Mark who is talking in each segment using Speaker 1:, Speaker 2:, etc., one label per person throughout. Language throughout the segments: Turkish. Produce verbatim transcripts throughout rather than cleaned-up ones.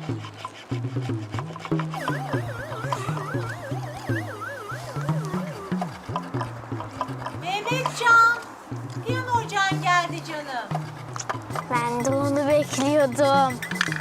Speaker 1: Mehmetcan, piyano hocan geldi canım.
Speaker 2: Ben de onu bekliyordum.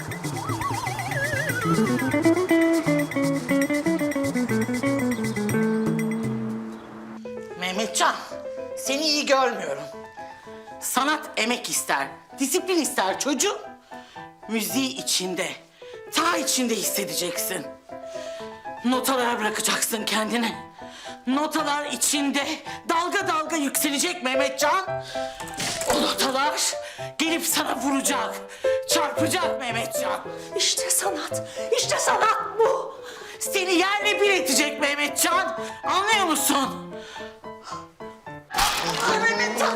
Speaker 3: Mehmetcan, seni iyi görmüyorum. Sanat emek ister, disiplin ister çocuğum. Müziği içinde, ta içinde hissedeceksin. Notalara bırakacaksın kendini. Notalar içinde dalga dalga yükselecek Mehmetcan. O notalar gelip sana vuracak, çarpacak Mehmetcan. İşte sanat, işte sanat bu. Seni yerle bir edecek Mehmetcan. Anlıyor musun? Ay Mehmetcan.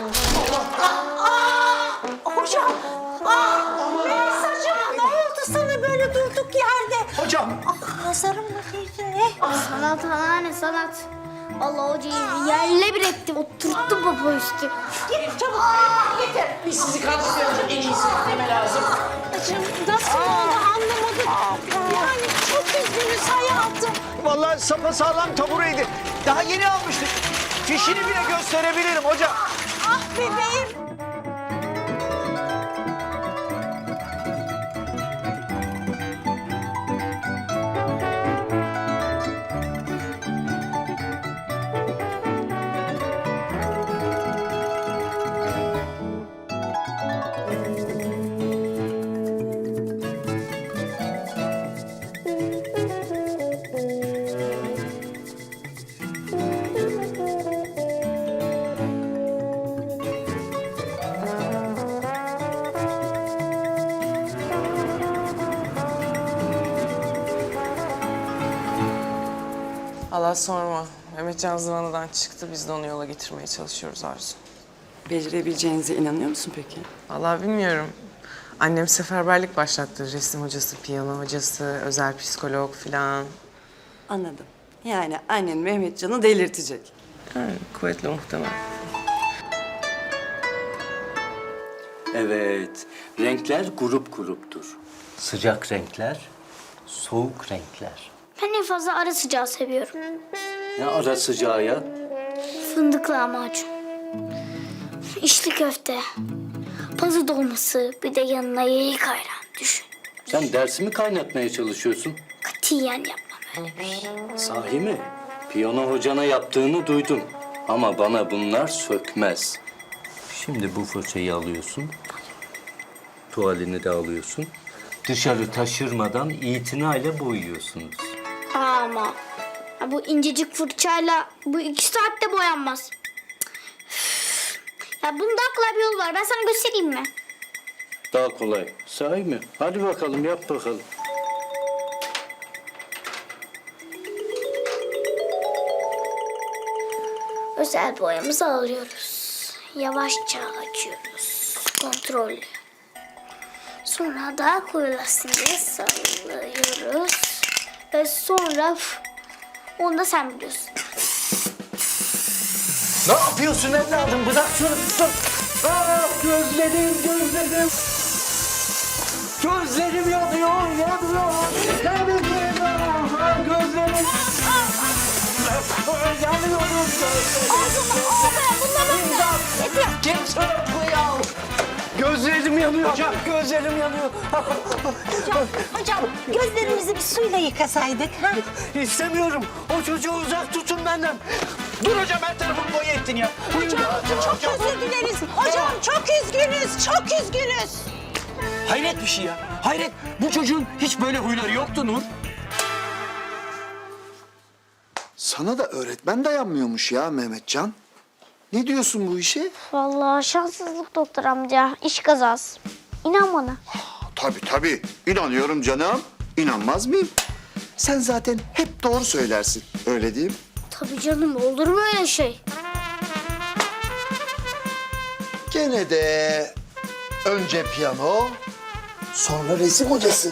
Speaker 1: Hocam, ah, Melisa'cığım ne oldu sana böyle durduk yerde?
Speaker 4: Hocam.
Speaker 1: Ah, nazarım mı değdi ne?
Speaker 2: Sanat anneanne sanat. Allah hocayı yerle bir etti. Oturttu baba üstü.
Speaker 1: Git çabuk, getir.
Speaker 3: Biz sizi kaldırıyoruz. En iyisi neme lazım.
Speaker 1: Bacım nasıl oldu anlamadım. Yani çok üzgünüz hayatım.
Speaker 4: Vallahi sapasağlam tabureydi. Daha yeni almıştık. Fişini bile gösterebilirim hocam.
Speaker 1: Ah bebeğim.
Speaker 5: Allah sorma. Mehmetcan zıvanadan çıktı. Biz de onu yola getirmeye çalışıyoruz Arzu.
Speaker 6: Becerebileceğinize inanıyor musun peki?
Speaker 5: Vallahi bilmiyorum. Annem seferberlik başlattı. Resim hocası, piyano hocası, özel psikolog filan.
Speaker 6: Anladım. Yani annen Mehmetcan'ı delirtecek.
Speaker 5: Yani kuvvetli muhtemel.
Speaker 7: Evet, renkler grup gruptur. Sıcak renkler, soğuk renkler.
Speaker 2: Ben en fazla ara sıcağı seviyorum.
Speaker 7: Ne ara sıcağı ya?
Speaker 2: Fındıklı lahmacun. İçli köfte. Pazı dolması. Bir de yanına yayık ayran. Düşün.
Speaker 7: Sen dersimi kaynatmaya çalışıyorsun.
Speaker 2: Katiyen yapmam öyle bir şey.
Speaker 7: Sahi mi? Piyano hocana yaptığını duydum. Ama bana bunlar sökmez. Şimdi bu fırçayı alıyorsun. Tuvalini de alıyorsun. Dışarı taşırmadan itinayla boyuyorsunuz.
Speaker 2: Ama ya bu incecik fırçayla bu iki saatte boyanmaz. Üf. Ya bunun daha kolay bir yolu var. Ben sana göstereyim mi?
Speaker 7: Daha kolay. Sahi mi? Hadi bakalım, yap bakalım.
Speaker 2: Özel boyamızı alıyoruz. Yavaşça açıyoruz. Kontrollü. Sonra daha koyulasın diye sallıyoruz. Ve sonra üf, onu da sen biliyorsun.
Speaker 4: Ne yapıyorsun evladım? Bırak şunu. Dur. Ah, gözlerim, gözlerim. Gözlerim yanıyor, yanıyor. Gözlerim yanıyor. Gözlerim. Yanıyorum gözlerim. İmdat. Kimse yok bu ya. Gözlerim yanıyor. Hocam, gözlerim yanıyor.
Speaker 1: Hocam, hocam gözlerimizi bir suyla yıkasaydık. Ha?
Speaker 4: İstemiyorum. O çocuğu uzak tutun benden. Dur hocam, her tarafımı boya ettin ya.
Speaker 1: Hocam çok özür dileriz. Hocam çok üzgünüz, çok üzgünüz.
Speaker 4: Hayret bir şey ya. Hayret. Bu çocuğun hiç böyle huyları yoktu Nur.
Speaker 8: Sana da öğretmen dayanmıyormuş ya Mehmetcan. Ne diyorsun bu işe?
Speaker 2: Vallahi şanssızlık doktor amca. İş kazası. İnan bana.
Speaker 8: Tabii tabii. İnanıyorum canım. İnanmaz mıyım? Sen zaten hep doğru söylersin. Öyle değil mi?
Speaker 2: Tabii canım, olur mu öyle şey?
Speaker 8: Gene de önce piyano, sonra resim hocası.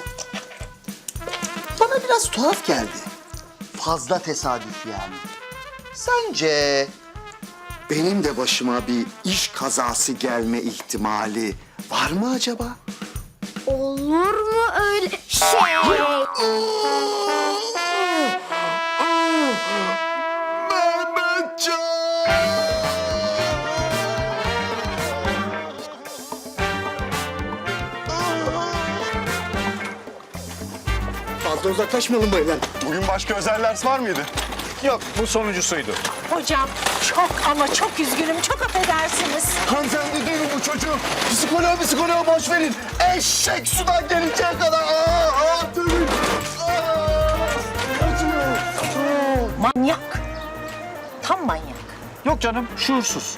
Speaker 8: Bana biraz tuhaf geldi. Fazla tesadüf yani. Sence benim de başıma bir iş kazası gelme ihtimali var mı acaba?
Speaker 2: Olur mu öyle? Şşt!
Speaker 8: Fazla uzaklaşmayalım baylar.
Speaker 9: Bugün başka özel ders var mıydı?
Speaker 4: Yok, bu sonuncusuydu.
Speaker 1: Hocam çok ama çok üzgünüm. Çok affedersiniz.
Speaker 8: Hanımefendi duyun bu çocuğu. Psikoloğa psikoloğa boş verin. Eşek sudan gelinceye kadar. Aa, aa, tövbe. Aa, acıyor.
Speaker 1: Manyak. Tam manyak.
Speaker 4: Yok canım, şuursuz.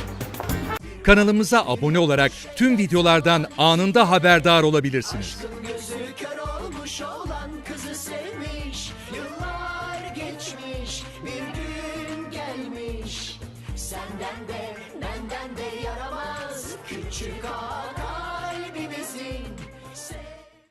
Speaker 10: Kanalımıza abone olarak tüm videolardan anında haberdar olabilirsiniz.